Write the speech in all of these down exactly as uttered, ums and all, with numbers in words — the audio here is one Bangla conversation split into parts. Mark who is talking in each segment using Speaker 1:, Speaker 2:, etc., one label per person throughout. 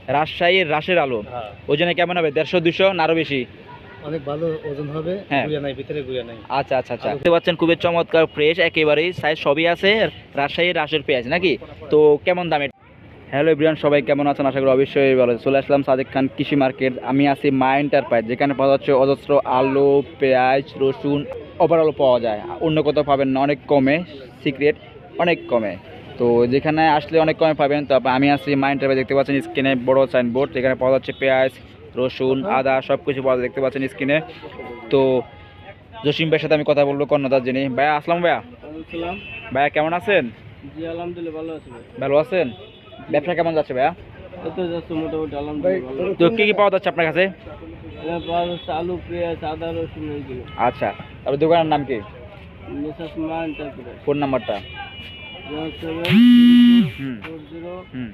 Speaker 1: রাজশাহীর রাশের আলো।
Speaker 2: হ্যাঁ।
Speaker 1: ওজনে কেমন হবে? দেড়শো দুশো না আরো বেশি?
Speaker 2: অনেক ভালো ওজন হবে।
Speaker 1: হ্যাঁ।
Speaker 2: গুড়িয়া নাই, ভিতরে গুড়িয়া নাই।
Speaker 1: আচ্ছা আচ্ছা আচ্ছা, দেখতে পাচ্ছেন খুবই চমৎকার ফ্রেশ একেবারেই, সাইজ সবই আছে। রাজশাহীর রাশের পেঁয়াজ নাকি? তো কেমন দামে? হ্যালো এভরিওয়ান, সবাই কেমন আছেন? আশা করি অবশ্যই ভালো। চলে আসলাম সাদেক খান কৃষি মার্কেট। আমি আছি মা এন্টারপ্রাইজ, যেখানে পাওয়া যাচ্ছে অজস্র আলু, পেঁয়াজ, রসুন ওভারঅল পাওয়া যায়। অন্য কোথাও পাবেন না, অনেক কমে, সিক্রেট অনেক কমে। তো যেখানে আসলে অনেক কমে পাবেন। তো আমি আছি মা এন্টারপ্রাইজ, দেখতে পাচ্ছেন স্ক্রিনে বড় সাইনবোর্ড, যেখানে পাওয়া যাচ্ছে পেঁয়াজ, রসুন, আদা সব কিছু পাওয়া যায়, দেখতে পাচ্ছেন স্ক্রিনে। তো জসিম ভাইয়ের সাথে আমি কথা বলবো কর্ণদার যিনি। ভাইয়া আসলাম। ভাইয়া ভাইয়া কেমন আছেন?
Speaker 2: জি আলহামদুলিল্লাহ ভালো আছি ভাই।
Speaker 1: ভালো আছেন? ব্যবসা কেমন যাচ্ছে ভাইয়া?
Speaker 2: এই তো যাচ্ছে মোটামুটি আলহামদুলিল্লাহ ভালো।
Speaker 1: তো কী কী পাওয়া যাচ্ছে আপনার কাছে?
Speaker 2: এখানে পাওয়া যাচ্ছে আলু, পেঁয়াজ, আদা, রসুন এইগুলো।
Speaker 1: আচ্ছা, তারপর দোকানের নাম কি?
Speaker 2: মিসেস মা এন্টারপ্রাইজ।
Speaker 1: ফোন নাম্বারটা?
Speaker 2: Zero seven
Speaker 1: hmm
Speaker 2: four zero
Speaker 1: hmm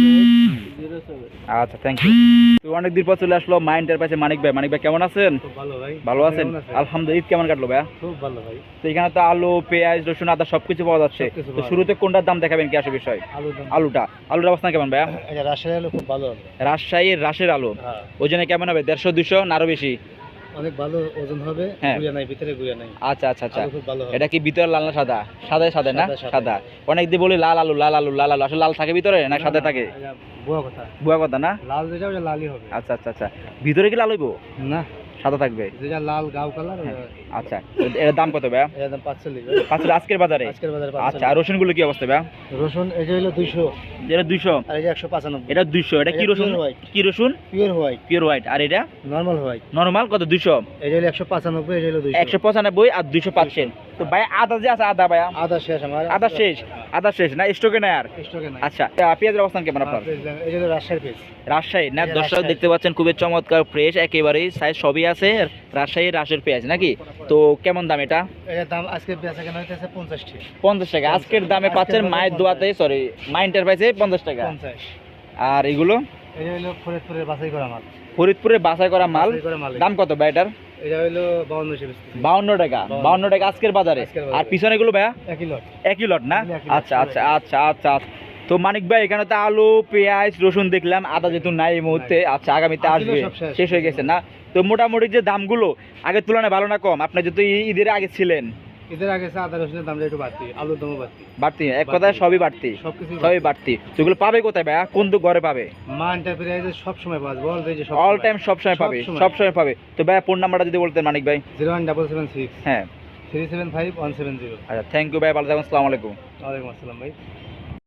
Speaker 2: zero seven.
Speaker 1: আচ্ছা, থ্যাংক ইউ। তো অনেক দিন পর চলে আসলো মা এন্টারপ্রাইজে মানিক ভাই। মানিক ভাই কেমন আছেন?
Speaker 2: খুব ভালো ভাই।
Speaker 1: ভালো আছেন? আলহামদুলিল্লাহ। ঈদ কেমন কাটলো ভাইয়া?
Speaker 2: খুব ভালো ভাই।
Speaker 1: তো এখানে তো আলু, পেঁয়াজ, রসুন, আদা সব কিছু পাওয়া যাচ্ছে।
Speaker 2: সবকিছু
Speaker 1: তো
Speaker 2: পাওয়া
Speaker 1: শুরুতে কোনটার দাম দেখাবেন কি আসে বিষয়?
Speaker 2: আলু দাম।
Speaker 1: আলুটা আলুর অবস্থা কেমন ভাইয়া?
Speaker 2: এটা রাজশাহী আলু খুব ভালো হবে।
Speaker 1: রাজশাহীর রাশের আলু।
Speaker 2: হ্যাঁ।
Speaker 1: ওজনে কেমন হবে? দেড়শো দুশো না আরো বেশি?
Speaker 2: অনেক ভালো ওজন হবে।
Speaker 1: হ্যাঁ।
Speaker 2: গুড়িয়া নাই, ভিতরে গুড়িয়া নাই।
Speaker 1: আচ্ছা আচ্ছা আচ্ছা,
Speaker 2: আলু খুব ভালো হবে।
Speaker 1: এটা কি ভিতরে লাল না সাদা? সাদা সাদা না?
Speaker 2: সাদা, সাদা।
Speaker 1: সাদা। অনেক দিয়ে বলি লাল আলু লাল আলু লাল আলু, আসলে লাল থাকে ভিতরে না সাদা থাকে?
Speaker 2: এটা বুয়া কথা।
Speaker 1: বুয়া কথা না?
Speaker 2: লাল যেটা ওটা লালই হবে।
Speaker 1: আচ্ছা আচ্ছা আচ্ছা, ভিতরে কি লাল হইব?
Speaker 2: না,
Speaker 1: সাদা থাকবে?
Speaker 2: যেটা লাল গাও কালার।
Speaker 1: আচ্ছা, এর দাম কত ভাইয়া?
Speaker 2: এর দাম পাঁচচল্লিশ।
Speaker 1: পাঁচশো আজকের বাজারে?
Speaker 2: আজকের বাজারে
Speaker 1: আচ্ছা,
Speaker 2: পাঁচচল্লিশ।
Speaker 1: আর রসুনগুলো কি অবস্থা ভাইয়া?
Speaker 2: রসুন এটা হলো দুইশো,
Speaker 1: এটা দুইশো,
Speaker 2: আর এটা একশো পঁচানব্বই।
Speaker 1: এটা দুইশো। এটা কি
Speaker 2: এটা
Speaker 1: রসুন?
Speaker 2: pure white।
Speaker 1: কি রসুন?
Speaker 2: Pure white.
Speaker 1: Pure white. আর এটা
Speaker 2: নর্মাল হোয়াইট।
Speaker 1: নরমাল কত? দুইশো।
Speaker 2: এটা হলো একশো পঁচানব্বই, এটা হলো দুইশো।
Speaker 1: একশো পঁচানব্বই আর দুইশো পাচ্ছেন। তো ভাই আদা যে আছে, আদা ভাইয়া?
Speaker 2: আদা শেষ আমার।
Speaker 1: আদা শেষ? আদা শেষ না, স্টকে নাই আর?
Speaker 2: স্টকে নাই।
Speaker 1: আচ্ছা, পেঁয়াজের অবস্থান কেমন আপনার?
Speaker 2: এটা হলো রাজশাহীর পেজ।
Speaker 1: রাজশাহী না?
Speaker 2: এটা
Speaker 1: দর্শক
Speaker 2: রাজশাহী।
Speaker 1: দেখতে পাচ্ছেন খুবই চমৎকার ফ্রেশ একেবারেই, সাইজ সবই আছে। রাজশাহীর রাশের পেঁয়াজ নাকি? তো কেমন দাম এটা?
Speaker 2: এর দাম আজকে বেচা কেনা হইতেছে পঞ্চাশ টাকা।
Speaker 1: পঞ্চাশ টাকা আজকের দামে
Speaker 2: আজকের
Speaker 1: পাচ্ছেন
Speaker 2: দামে
Speaker 1: মায়ের
Speaker 2: পঞ্চাশ।
Speaker 1: দোয়াতে, সরি মা এন্টারপ্রাইজে পঞ্চাশ টাকা।
Speaker 2: পঞ্চাশ।
Speaker 1: আর এগুলো
Speaker 2: এটা হলো ফরিদপুরের বাছাই করা মাল।
Speaker 1: ফরিদপুরে বাছাই করা মাল।
Speaker 2: বাছাই করা মাল।
Speaker 1: দাম কত ভাই এটার?
Speaker 2: এটা হলো বাউন্ন টাকা।
Speaker 1: বাউন্ন টাকা। বাউন্ন টাকা আজকের বাজারে।
Speaker 2: আজকের বাজারে।
Speaker 1: আর পিছনে গুলো ভাইয়া?
Speaker 2: একই লট।
Speaker 1: একই লট না?
Speaker 2: একই লট।
Speaker 1: আচ্ছা আচ্ছা আচ্ছা আচ্ছা আচ্ছা। তো মানিক ভাই এখানে তো আলু, পেঁয়াজ, রসুন দেখলাম, আদা যেহেতু নাই এই মুহূর্তে, আচ্ছা আগামীতে
Speaker 2: আসলে
Speaker 1: আসবে,
Speaker 2: সব শেষ।
Speaker 1: শেষ হয়ে গেছে না? তো মোটামুটি যে দামগুলো আগের তুলনায় ভালো না কম? আপনি যেহেতু ই- ঈদের আগে ছিলেন,
Speaker 2: এদের আগে আদা রসুনের দামটা একটু বাড়তি, আলুর দামও বাড়তি।
Speaker 1: বাড়তি? এক কথায় সবই বাড়তি,
Speaker 2: সবকিছু
Speaker 1: সবই বাড়তি। তো এগুলো পাবে কোথায় ভাইয়া? কোন তো ঘরে পাবে?
Speaker 2: মা এন্টারপ্রাইজে সব সময় পাওয়া যায়, বল যে সব
Speaker 1: অল টাইম সব সময় পাবে? সব সময় পাবে। তো ভাইয়া ফোন নাম্বারটা যদি বলতেন মানিক ভাই।
Speaker 2: Zero one double seven six
Speaker 1: হ্যাঁ,
Speaker 2: three seven five one seven zero.
Speaker 1: আচ্ছা, থ্যাংক ইউ ভাই, ভালো থাকুন, আসসালামু আলাইকুম।
Speaker 2: ওয়ালাইকুম আসসালাম ভাই।